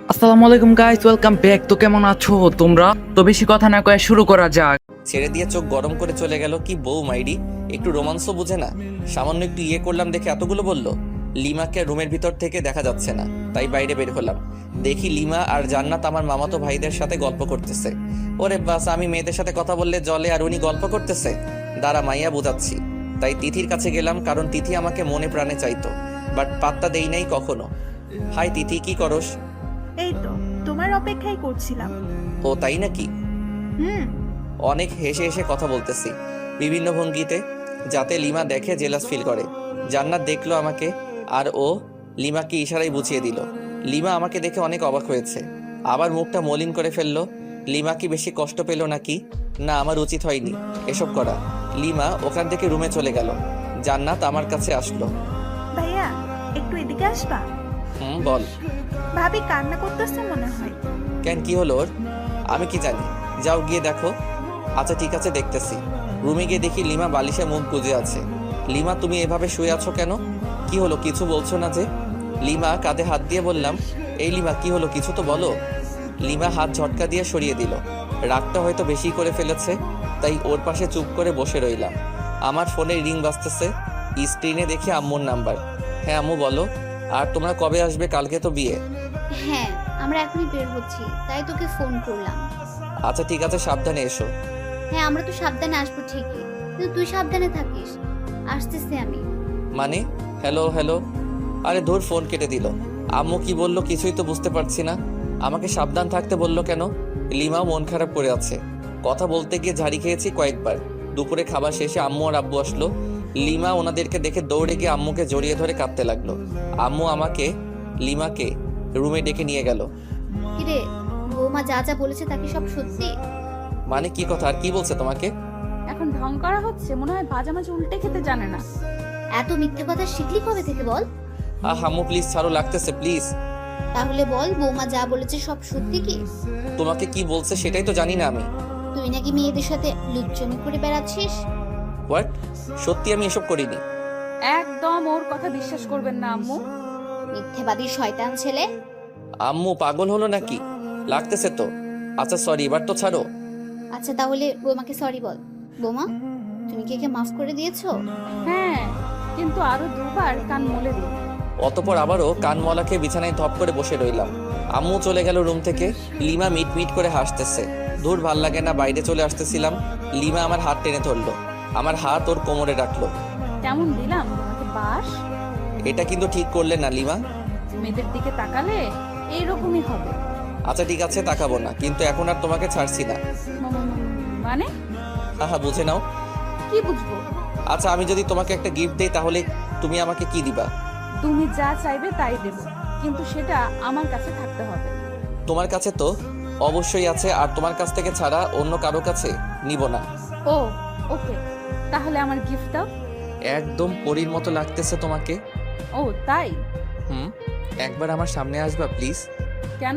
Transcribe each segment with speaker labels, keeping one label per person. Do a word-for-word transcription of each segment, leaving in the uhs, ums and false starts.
Speaker 1: আসসালামু আলাইকুম guys, welcome back. তো কেমন আছো তোমরা? তো বেশি কথা না কয়ে শুরু করা যাক।
Speaker 2: ছেড়ে দিয়ে চোখ গরম করে চলে গেল। কি বউ মাইরি, একটু রোমান্সও বুঝে না। সামান্য একটু ইয়ে করলাম দেখে এতগুলো বলল। লিমাকে রুমের ভিতর থেকে দেখা যাচ্ছে না, তাই বাইরে বের হলাম। দেখি লিমা আর জান্নাত আমার মামাতো ভাইদের সাথে গল্প করতেছে। ওরে বাস, আমি মেয়েদের সাথে কথা বললে জলে আর উনি গল্প করতেছে। দাঁড়া মাইয়া বোঝাচ্ছি। তাই তিথির কাছে গেলাম, কারণ তিথি আমাকে মনে প্রাণে চাইতো, বাট পাত্তা দেই নাই কখনো। হাই তিথি, কি করস?
Speaker 3: এই তো তোমার অপেক্ষাই করছিলাম।
Speaker 2: ও তাই নাকি?
Speaker 3: হুম।
Speaker 2: অনেক হেসে হেসে কথা বলতেছি বিভিন্ন ভঙ্গিতে, যাতে লিমা দেখে জেলাস ফিল করে। জান্নাত দেখলো আমাকে, আর ও লিমাকে ইশারায় বুঝিয়ে দিল। লিমা আমাকে দেখে অনেক অবাক হয়েছে, আবার মুখটা মলিন করে ফেললো। লিমা কি বেশি কষ্ট পেল নাকি? না, আমার উচিত হয়নি এসব করা। লিমা ওখান থেকে রুমে চলে গেল। জান্নাত আমার কাছে আসলো।
Speaker 3: ভাইয়া, একটু এদিকে আসবা?
Speaker 2: হুম বল।
Speaker 3: ভাবি কান্না করতেছে মনে হয়।
Speaker 2: কেন, কি হলো ওর? আমি কি জানি, যাও গিয়ে দেখো। আচ্ছা ঠিক আছে, দেখতেছি। রুমে গিয়ে দেখি লিমা বালিশে মুখ গুজে আছে। লিমা, তুমি এভাবে শুয়ে আছো কেন? কি হলো, কিছু বলছো না যে? লিমা কাঁধে হাত দিয়ে বললাম, এই লিমা কি হলো, কিছু তো বলো। লিমা হাত ঝটকা দিয়ে সরিয়ে দিল। রাগটা হয়তো বেশি করে ফেলেছে, তাই ওর পাশে চুপ করে বসে রইলাম। আমার ফোনে রিং বাজতেছে, স্ক্রিনে দেখি আম্মুর নাম্বার। হ্যাঁ আম্মু বলো। আর তোমরা কবে আসবে? কালকে তো বিয়ে।
Speaker 4: হ্যাঁ, আমরা এখনই বের হচ্ছি, তাই তোকে ফোন করলাম।
Speaker 2: আচ্ছা ঠিক আছে, সাবধানে এসো।
Speaker 4: হ্যাঁ, আমরা তো সাবধানে আসবো ঠিকই, কিন্তু তুই সাবধানে থাকিস। আসতেছি আমি।
Speaker 2: মানে? Hello hello. আরে ধুর, ফোন কেটে দিল। আম্মু কি বললো কিছুই তো বুঝতে পারছি না। আমাকে সাবধান থাকতে বললো কেন? লিমাও মন খারাপ করে আছে। কথা বলতে গিয়ে ঝাড়ি খেয়েছি কয়েকবার। দুপুরে খাবার শেষে আম্মু আর আব্বু আসলো। লিমা ওনাদেরকে দেখে দৌড়ে গিয়ে আম্মুকে জড়িয়ে ধরে কাঁদতে লাগলো। আম্মু আমাকে লিমাকে রুমে ডেকে নিয়ে গেল।
Speaker 4: কিরে, বৌমা যা যা বলেছে তা কি সব সত্যি?
Speaker 2: মানে কি কথা, আর কি বলছে তোমাকে?
Speaker 5: এখন ঢং করা হচ্ছে, মনে হয় ভাজা মাছ উল্টে খেতে জানে না।
Speaker 4: এত মিথ্যে কথা শিখলি কবে থেকে বল?
Speaker 2: আহ আম্মু প্লিজ ছাড়ো, লাগতেছে প্লিজ।
Speaker 4: তাহলে বল, বৌমা যা বলেছে সব সত্যি কি?
Speaker 2: তোমাকে কি বলছে সেটাই তো জানি না আমি।
Speaker 4: তুই নাকি মেয়েদের সাথে লুচ্চমি করে বেড়াচ্ছিস?
Speaker 2: হোয়াট? সত্যি আমি এসব করিনি।
Speaker 5: একদম ওর কথা বিশ্বাস করবেন না আম্মু।
Speaker 4: মিথ্যেবাদী শয়তান ছেলে।
Speaker 2: আম্মু পাগল হলো নাকি? লাগতেছে তো। আচ্ছা সরি, এবার তো ছাড়ো।
Speaker 4: আচ্ছা তাহলে বৌমাকে সরি বল। বৌমা, তুমি কি একে মাফ করে দিয়েছো?
Speaker 5: হ্যাঁ, কিন্তু আরো দুবার কান মলে দিই।
Speaker 2: অতপর আবারও কানমলা খেয়ে বিছানায় ধপ করে বসে রইলাম। আম্মু চলে গেল রুম থেকে। লিমা মিট মিট করে হাসতেছে। দূর, ভাল লাগে না, বাইরে চলে আসতেছিলাম। লিমা আমার হাত টেনে ধরলো, আমার হাত ওর কোমরে রাখলো।
Speaker 5: কেমন দিলাম তোমাকে বাস?
Speaker 2: এটা কিন্তু ঠিক করলে না লিমা।
Speaker 5: মেয়েদের দিকে তাকালে এইরকমই হবে।
Speaker 2: আচ্ছা ঠিক আছে, তাকাবো না, কিন্তু এখন আর তোমাকে ছাড়ছি না।
Speaker 5: উম, মানে
Speaker 2: হা হা, বুঝে নাও।
Speaker 5: কি বুঝবো?
Speaker 2: আচ্ছা আমি যদি তোমাকে একটা গিফট দেই, তাহলে তুমি আমাকে কি দিবা?
Speaker 5: তুমি যা চাইবে তাই দেব, কিন্তু সেটা আমার কাছে থাকতে হবে।
Speaker 2: তোমার কাছে তো অবশ্যই আছে, আর তোমার কাছ থেকে ছাড়া অন্য কারো কাছে নিব না।
Speaker 5: ও ওকে, তাহলে আমার গিফট দাও।
Speaker 2: একদম পরীর মতো লাগতেছে তোমাকে।
Speaker 5: ও তাই?
Speaker 2: হুম, একবার আমার সামনে আসবা প্লিজ?
Speaker 5: কেন?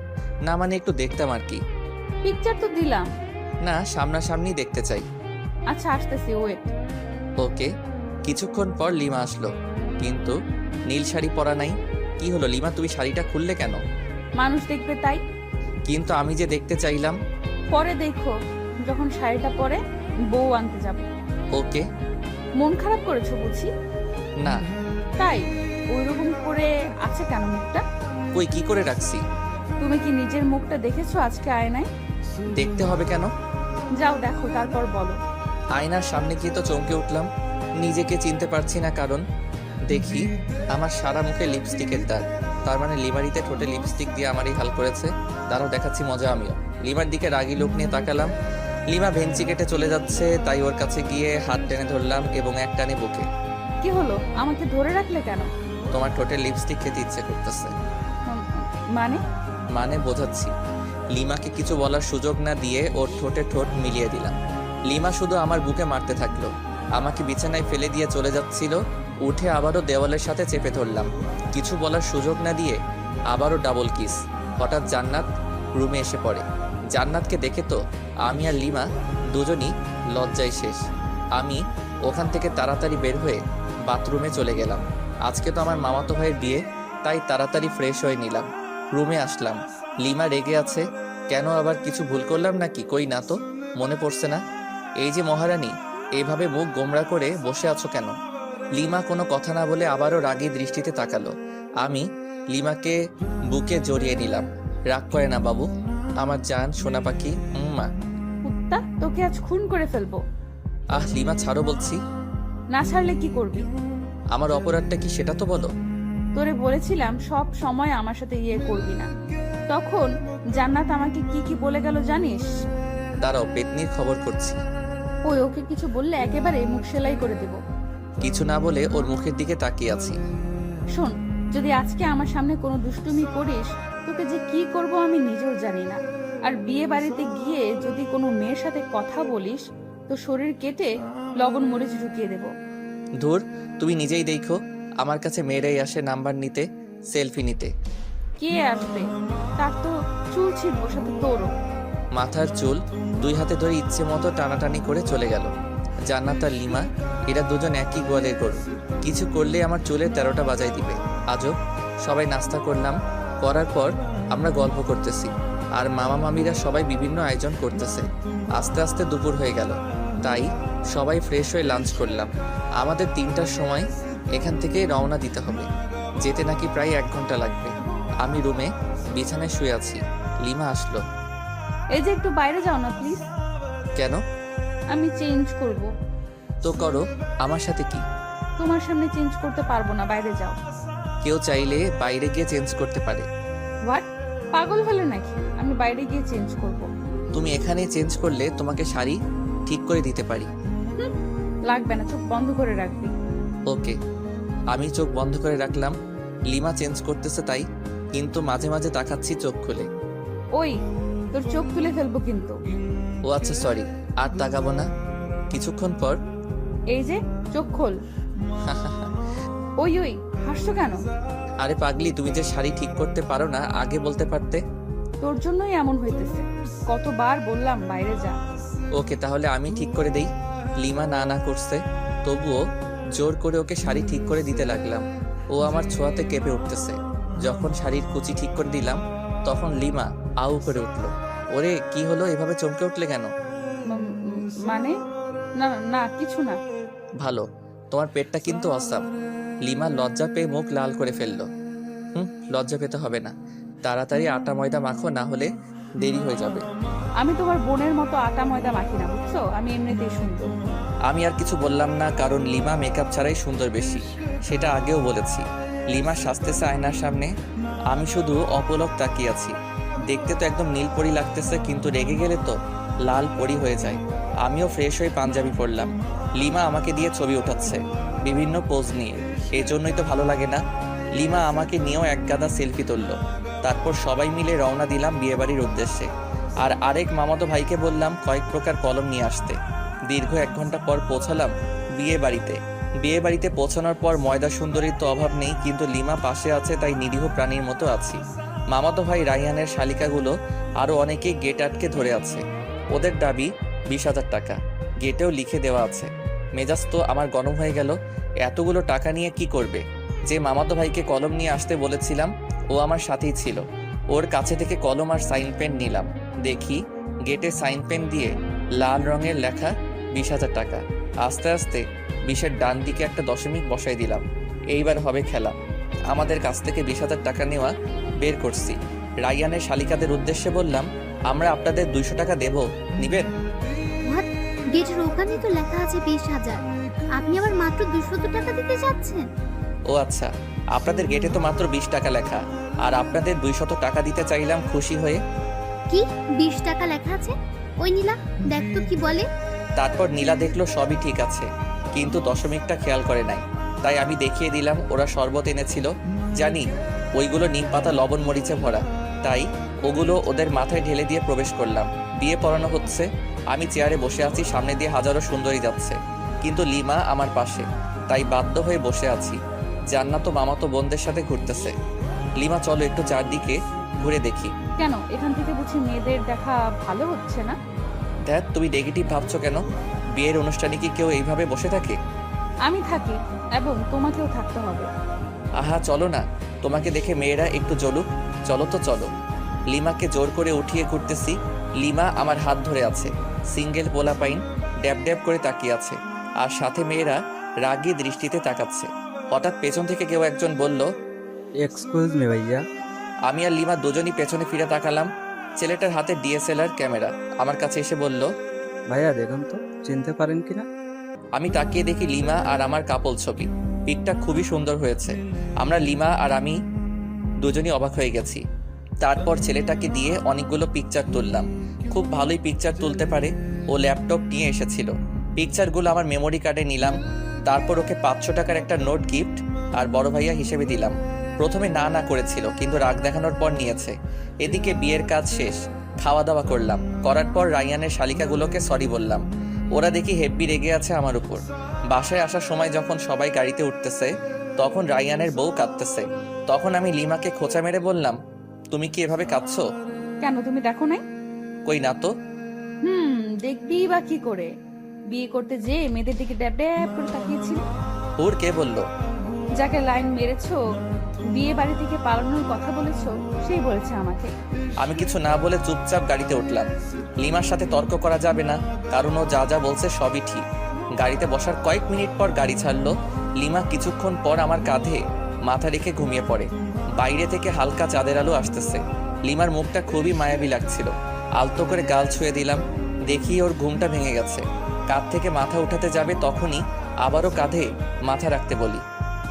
Speaker 2: না মানে একটু দেখতাম আর কি।
Speaker 5: পিকচার তো দিলাম।
Speaker 2: না, সামনাসামনি দেখতে চাই।
Speaker 5: আচ্ছা আসতেছি, ওয়েট।
Speaker 2: ওকে। কিছুক্ষণ পর লিমা আসলো, কিন্তু নীল শাড়ি পরা নাই। কি হলো লিমা, তুমি শাড়িটা খুললে কেন?
Speaker 5: মানুষ দেখবে তাই।
Speaker 2: কিন্তু আমি যে দেখতে চাইলাম।
Speaker 5: পরে দেখো, যখন শাড়িটা পরে বউ আনতে যাব।
Speaker 2: ওকে।
Speaker 5: মন খারাপ করেছো বুঝি?
Speaker 2: না।
Speaker 5: তাই ওইরকম করে আছে কেন মুখটা?
Speaker 2: কই, কি করে রাখছি?
Speaker 5: তুমি কি নিজের মুখটা দেখেছো আজকে আয়নায়?
Speaker 2: দেখতে হবে কেন?
Speaker 5: যাও দেখো, তারপর বলো।
Speaker 2: আয়নার সামনে গিয়ে তো চমকে উঠলাম। নিজেকে চিনতে পারছি না, কারণ দেখি আমার সারা মুখে লিপস্টিকের দাগ। তার মানে লিমারিতে ঠোঁটে লিপস্টিক দিয়ে আমারই হাল করেছে। তারাও দেখাচ্ছি মজা আমিও। লিমার দিকে রাগি লোক নিয়ে তাকালাম। লিমা ভেঞ্চি কেটে চলে যাচ্ছে, তাই ওর কাছে গিয়ে হাত টেনে ধরলাম এবং এক টানে বুকে।
Speaker 5: কি হলো, আমাকে ধরে রাখলে কেন?
Speaker 2: তোমার ঠোঁটে লিপস্টিক খেতে ইচ্ছে করতেছে।
Speaker 5: উম, মানে?
Speaker 2: মানে বোঝাচ্ছি। লিমাকে কিছু বলার সুযোগ না দিয়ে ওর ঠোঁটে ঠোঁট মিলিয়ে দিলাম। লিমা শুধু আমার বুকে মারতে থাকলো। আমাকে বিছানায় ফেলে দিয়ে চলে যাচ্ছিল। উঠে আবারও দেওয়ালের সাথে চেপে ধরলাম। কিছু বলার সুযোগ না দিয়ে আবারও ডাবল কিস। হঠাৎ জান্নাত রুমে এসে পড়ে। জান্নাতকে দেখে তো আমি আর লিমা দুজনই লজ্জায় শেষ। আমি ওখান থেকে তাড়াতাড়ি বের হয়ে বাথরুমে চলে গেলাম। আজকে তো আমার মামাতো ভাইয়ের বিয়ে, তাই তাড়াতাড়ি ফ্রেশ হয়ে নিলাম। রুমে আসলাম। লিমা রেগে আছে কেন? আবার কিছু ভুল করলাম নাকি? কই না তো, মনে পড়ছে না। এই যে মহারানী, এইভাবে মুখ গোমড়া করে বসে আছো কেন? লিমা কোনো কথা না বলে আবারও রাগী দৃষ্টিতে তাকালো। আমি লিমাকে বুকে জড়িয়ে নিলাম। রাগ করে না বাবু, আমার জান সোনা পাখি। মা
Speaker 5: কুত্তা, তোকে আজ খুন করে ফেলবো।
Speaker 2: আহ লিমা ছাড়ো বলছি।
Speaker 5: না ছাড়লে কি করবি?
Speaker 2: আমার অপরাধটা কি সেটা তো বলো।
Speaker 5: তোরে বলেছিলাম সব সময় আমার সাথে ইয়ে করবি না। তখন জান্নাত আমাকে কি কি বলে গেল জানিস?
Speaker 2: দাঁড়াও, পেতনির খবর করছি।
Speaker 5: ওই ওকে কিছু বললে একেবারে মুখ সেলাই করে দেব।
Speaker 2: কিছু না বলে ওর মুখের দিকে তাকিয়ে আছি।
Speaker 5: শোন, যদি আজকে আমার সামনে কোনো দুষ্টুমি করিস, তোকে যে কি করব আমি নিজেও জানি না। আর বিয়ে বাড়িতে গিয়ে যদি কোনো মেয়ের সাথে কথা বলিস, তো শরীর কেটে লবণ মরিচ ঢুকিয়ে দেব।
Speaker 2: ধুর, তুমি নিজেই দেখো, আমার কাছে মেয়েরাই আসে নাম্বার নিতে, সেলফি নিতে।
Speaker 5: কে আসবে? তার তো চুল ছিঁড়বো, সাথে তোরও।
Speaker 2: মাথার চুল দুই হাতে ধরে ইচ্ছে মতো টানাটানি করে চলে গেল। জান্নাত আর লিমা, এরা দুজন একই গোয়ালের গরু। কিছু করলে আমার চুলের তেরোটা বাজাই দিবে। আজও সবাই নাস্তা করলাম, করার পর আমরা গল্প করতেছি, আর মামা মামিরা সবাই বিভিন্ন আয়োজন করতেছে। আস্তে আস্তে দুপুর হয়ে গেল, তাই সবাই ফ্রেশ হয়ে লাঞ্চ করলাম। আমাদের তিনটার সময় এখান থেকে রওনা দিতে হবে। যেতে নাকি প্রায় এক ঘন্টা লাগবে। আমি রুমে বিছানায় শুয়ে আছি। লিমা আসলো।
Speaker 5: এই যে একটু বাইরে যাও না প্লিজ।
Speaker 2: কেন?
Speaker 5: আমি চেঞ্জ করব।
Speaker 2: তো করো, আমার সাথে কি?
Speaker 5: তোমার সামনে চেঞ্জ করতে পারবো না, বাইরে যাও।
Speaker 2: কেউ চাইলে বাইরে গিয়ে চেঞ্জ করতে পারে।
Speaker 5: হোয়াট? পাগল হলে নাকি? আমি বাইরে গিয়ে চেঞ্জ করব।
Speaker 2: তুমি এখানে চেঞ্জ করলে তোমাকে শাড়ি ঠিক করে দিতে পারি।
Speaker 5: হুম, লাগবে না, চোখ বন্ধ করে রাখবি।
Speaker 2: ওকে। আমি চোখ বন্ধ করে রাখলাম। লিমা চেঞ্জ করতেছে তাই, কিন্তু মাঝে মাঝে তাকাচ্ছি চোখ খুলে।
Speaker 5: ওই, তোর চোখ তুলে ফেলবো কিন্তু।
Speaker 2: ও আচ্ছা, সরি, আর তাকাবো না। কিছুক্ষণ পর
Speaker 5: এই যে চোখ খোল। ওই ওই, হাসছো কেন?
Speaker 2: আরে পাগলি, তুমি যে শাড়ি ঠিক করতে পারো না আগে বলতে পারতে।
Speaker 5: তোর জন্যই এমন হইতেছে। কতবার বললাম বাইরে যা।
Speaker 2: ওকে, তাহলে আমি ঠিক করে দেই। লিমা না না করছে, তবুও জোর করে ওকে শাড়ি ঠিক করে দিতে লাগলাম। ও আমার ছোঁয়াতে কেঁপে উঠতেছে। যখন শাড়ির কুচি ঠিক করে দিলাম, তখন লিমা আউ করে উঠল। ওরে কি হলো, এভাবে চমকে উঠলে কেন?
Speaker 5: উম, উম, মানে না না কিছু না।
Speaker 2: ভালো, তোমার পেটটা কিন্তু অসাম। লিমা লজ্জা পেয়ে মুখ লাল করে ফেললো। হুম, লজ্জা পেতে হবে না, তাড়াতাড়ি আটা ময়দা মাখো, না হলে দেরি হয়ে যাবে।
Speaker 5: আমি তোমার বোনের মতো আটা ময়দা মাখি না, বুঝছো? আমি এমনিতেই সুন্দর।
Speaker 2: আমি আর কিছু বললাম না, কারণ লিমা মেকআপ ছাড়াই সুন্দর বেশি, সেটা আগেও বলেছি। লিমা সাজতেছে আয়নার সামনে, আমি শুধু অপলক তাকিয়ে আছি। দেখতে তো একদম নীল পরি লাগতেছে, কিন্তু রেগে গেলে তো লাল পরি হয়ে যায়। আমিও ফ্রেশ হয়ে পাঞ্জাবি পরলাম। লিমা আমাকে দিয়ে ছবি ওঠাচ্ছে বিভিন্ন পোজ নিয়ে, এই জন্যই তো ভালো লাগে না। লিমা আমাকে নিয়েও এক গাদা সেলফি তুললো। তারপর সবাই মিলে রওনা দিলাম বিয়েবাড়ির উদ্দেশ্যে। আর আরেক মামাতো ভাইকে বললাম কয়েক প্রকার কলম নিয়ে আসতে। দীর্ঘ এক ঘন্টা পর পৌঁছালাম বিয়ে বাড়িতে। বিয়ে বাড়িতে পৌঁছানোর পর ময়দা সুন্দরীর তো অভাব নেই, কিন্তু লিমা পাশে আছে তাই নিরীহ প্রাণীর মতো আছি। মামাতো ভাই রাইহানের শালিকাগুলো আরও অনেকেই গেট আটকে ধরে আছে। ওদের দাবি বিশ হাজার টাকা, গেটেও লিখে দেওয়া আছে। মেজাজ তো আমার গরম হয়ে গেল। এতগুলো টাকা নিয়ে কি করবে? যে মামাতো ভাইকে কলম নিয়ে আসতে বলেছিলাম ও আমার সাথেই ছিল। ওর কাছে থেকে কলম আর সাইন পেন নিলাম। দেখি গেটে সাইন পেন দিয়ে লাল রঙের লেখা বিশ হাজার টাকা। আস্তে আস্তে বিশের ডান দিকে একটা দশমিক বসাই দিলাম। এইবার হবে খেলা। আমাদের কাছ থেকে বিশ হাজার টাকা নেওয়া বের করছি। রাইয়ানের শালিকাদের উদ্দেশ্যে বললাম, আমরা আপনাদের দুইশো টাকা দেব, নিবেন?
Speaker 4: হোয়াট? গেটের ওখানে তো লেখা আছে বিশ হাজার, আপনি আবার মাত্র দুশো টাকা দিতে যাচ্ছেন?
Speaker 2: ও আচ্ছা, আপনাদের গেটে তো মাত্র বিশ টাকা লেখা, আর আপনাদের দুইশত টাকা দিতে চাইলাম খুশি হয়ে।
Speaker 4: কি বিশ টাকা লেখা আছে? ওই নীলা, দেখ তো কি বলে।
Speaker 2: তারপর নীলা দেখলো সবই ঠিক আছে, কিন্তু দশমিকটা খেয়াল করে নাই। তাই আমি দেখিয়ে দিলাম ওরা শরবত এনেছিল। জানি ওইগুলো নিম পাতা লবণ মরিচে ভরা, তাই ওগুলো ওদের মাথায় ঢেলে দিয়ে প্রবেশ করলাম। বিয়ে পড়ানো হচ্ছে। আমি চেয়ারে বসে আছি, সামনে দিয়ে হাজারো সুন্দরী যাচ্ছে, কিন্তু লিমা আমার পাশে, তাই বাধ্য হয়ে বসে আছি। জান্নাত তো মামাতো বোনদের সাথে ঘুরতেছে। লিমা চলো একটু চারদিকে ঘুরে দেখি।
Speaker 5: কেন, এখান থেকে বুঝি মেয়েদের দেখা ভালো হচ্ছে না?
Speaker 2: দেখ, তুমি নেগেটিভ ভাবছো কেন? বিয়ের অনুষ্ঠানে কি কেউ এইভাবে বসে থাকে?
Speaker 5: আমি থাকি, এবং তোমাকেও থাকতে হবে।
Speaker 2: আহা চলো না, তোমাকে দেখে মেয়েরা একটু জ্বলুক। চলো তো চলো। লিমাকে জোর করে উঠিয়ে ঘুরতেছি। লিমা আমার হাত ধরে আছে। সিঙ্গেল পোলাপাইন ড্যাব ড্যাব করে তাকিয়ে আছে, আর সাথে মেয়েরা রাগী দৃষ্টিতে তাকাচ্ছে। হঠাৎ পেছন থেকে কেউ একজন বলল,
Speaker 6: এক্সকিউজ মি ভাইয়া।
Speaker 2: আমি আর লিমা দুজনই পেছনে ফিরে তাকালাম। ছেলেটার হাতে ডিএসএলআর ক্যামেরা। আমার কাছে এসে বলল,
Speaker 6: ভাইয়া দেখুন তো চিনতে পারেন কিনা।
Speaker 2: আমি তাকিয়ে দেখি লিমা আর আমার কাপল ছবি। পিকটা খুবই সুন্দর হয়েছে। আমরা লিমা আর আমি দুজনই অবাক হয়ে গেছি। তারপর ছেলেটাকে দিয়ে অনেকগুলো পিকচার তুললাম। খুব ভালোই পিকচার তুলতে পারে। ও ল্যাপটপ নিয়ে এসেছিল। পিকচারগুলো আমার মেমোরি কার্ডে নিলাম। তারপর ওকে পাঁচশো টাকার একটা নোট গিফট আর বড় ভাইয়া হিসেবে দিলাম। প্রথমে না না করেছিল, কিন্তু রাগ দেখানোর পর নিয়েছে। এদিকে বিয়ের কাজ শেষ, খাওয়া দাওয়া করলাম। করার পর রায়ানের শালিকাগুলোকে সরি বললাম। ওরা দেখি হেব্বি রেগে আছে আমার উপর। বাসায় আসার সময় যখন সবাই গাড়িতে উঠতেছে, তখন রায়ানের বউ কাঁদতেছে। তখন আমি লিমাকে খোঁচা মেরে বললাম, তুমি কি এভাবে কাঁদছো?
Speaker 5: কেন, তুমি দেখো নাই?
Speaker 2: কই না তো।
Speaker 5: হুম, দেখবি বা কি করে? বিয়ে করতে যে মেয়েদের দিকে ড্যাব ড্যাব করে তাকিয়েছিল।
Speaker 2: ওর কে বললো?
Speaker 5: যাকে লাইন মেরেছো, বিয়ে বাড়ি থেকে পালানোর কথা বলেছো, সেই বলেছে আমাকে।
Speaker 2: আমি কিছু না বলে চুপচাপ গাড়িতে উঠলাম। লিমার সাথে তর্ক করা যাবে না, কারণ ও যা যা বলছে সবই ঠিক। গাড়িতে বসার কয়েক মিনিট পর গাড়ি ছাড়লো। লিমা কিছুক্ষণ পর আমার কাঁধে মাথা রেখে ঘুমিয়ে পড়ে। বাইরে থেকে হালকা চাঁদের আলো আসতেছে। লিমার মুখটা খুবই মায়াবী লাগছিল। আলতো করে গাল ছুঁয়ে দিলাম। দেখি ওর ঘুমটা ভেঙে গেছে। কাঁধ থেকে মাথা উঠাতে যাবে, তখনই আবারও কাঁধে মাথা রাখতে বলি।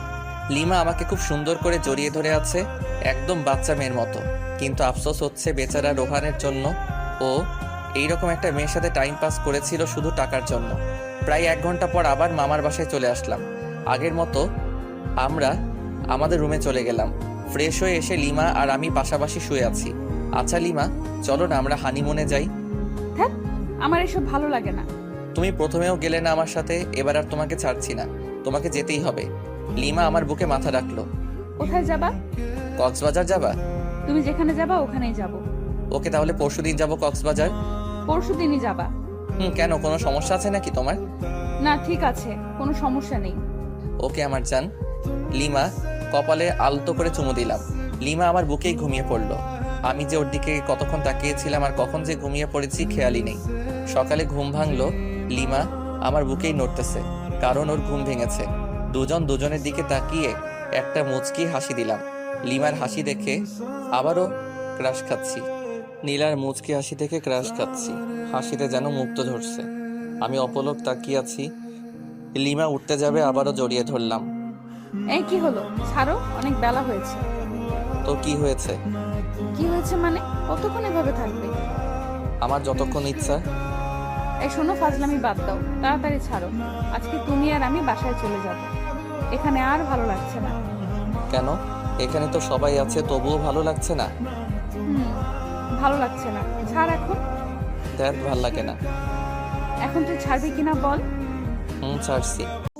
Speaker 2: লিমা আমাকে খুব সুন্দর করে জড়িয়ে ধরে আছে, একদম বাচ্চা মেয়ের মতো। কিন্তু আফসোস হচ্ছে বেচারা রোহানের জন্য। ও এইরকম একটা মেয়ের সাথে টাইম পাস করেছিল শুধু টাকার জন্য। প্রায় এক ঘন্টা পর আবার মামার বাসায় চলে আসলাম। আগের মতো আমরা আমাদের রুমে চলে গেলাম। ফ্রেশ হয়ে এসে লিমা আর আমি পাশাপাশি শুয়ে আছি। আচ্ছা লিমা, চলো না আমরা হানিমুনে যাই।
Speaker 5: হ্যাঁ, আমার এসব ভালো লাগে না।
Speaker 2: তুমি প্রথমেও গেলে না আমার সাথে, এবার আর তোমাকে ছাড়ছি না। তোমাকে যেতেই হবে। লিমা আমার বুকে মাথা রাখলো।
Speaker 5: কোথায় যাবা?
Speaker 2: কক্সবাজার যাবা?
Speaker 5: তুমি যেখানে যাবা ওখানেই যাব।
Speaker 2: ওকে, তাহলে পরশুদিন যাবো কক্সবাজার।
Speaker 5: পরশু দিনই যাবা?
Speaker 2: হুম, কেন, কোনো সমস্যা আছে নাকি তোমার?
Speaker 5: না, ঠিক আছে, কোনো সমস্যা নেই।
Speaker 2: ওকে আমার জান। লিমা কপালে আলতো করে চুমু দিলাম। লিমা আমার বুকেই ঘুমিয়ে পড়লো। আমি যে ওর দিকে কতক্ষণ তাকিয়েছিলাম আর কখন যে ঘুমিয়ে পড়েছি খেয়ালই নেই। সকালে ঘুম ভাঙলো। লিমা আমার বুকেই নড়তেছে, কারণ ওর ঘুম ভেঙেছে। দুজন দুজনের দিকে তাকিয়ে একটা মুচকি হাসি দিলাম। লিমার হাসি দেখে আবারও ক্রাশ খাচ্ছি। নীলার মুচকি হাসি দেখে ক্রাশ খাচ্ছি। হাসিতে যেন মুক্ত ঝরছে। আমি অপলক তাকিয়ে আছি। লিমা উঠতে যাবে, আবারও জড়িয়ে ধরলাম।
Speaker 5: এই কি হলো? ছাড়ো, অনেক বেলা হয়েছে।
Speaker 2: তো কি হয়েছে?
Speaker 5: কি হয়েছে মানে? কতক্ষণ এভাবে থাকবে?
Speaker 2: আমার যতক্ষণ ইচ্ছা।
Speaker 5: এই শোনো, ফাজলামি বাদ দাও, তাড়াতাড়ি ছাড়ো। আজকে তুমি আর আমি বাসায় চলে যাব। এখানে আর ভালো লাগছে না।
Speaker 2: কেন? এখানে তো সবাই আছে, তবুও ভালো লাগছে না?
Speaker 5: হুম, ভালো লাগছে না। ছাড় এখন।
Speaker 2: দেখ, ভাল লাগে না।
Speaker 5: এখন তুই ছাড়বি কিনা বল।
Speaker 2: হুম, ছাড়ছি।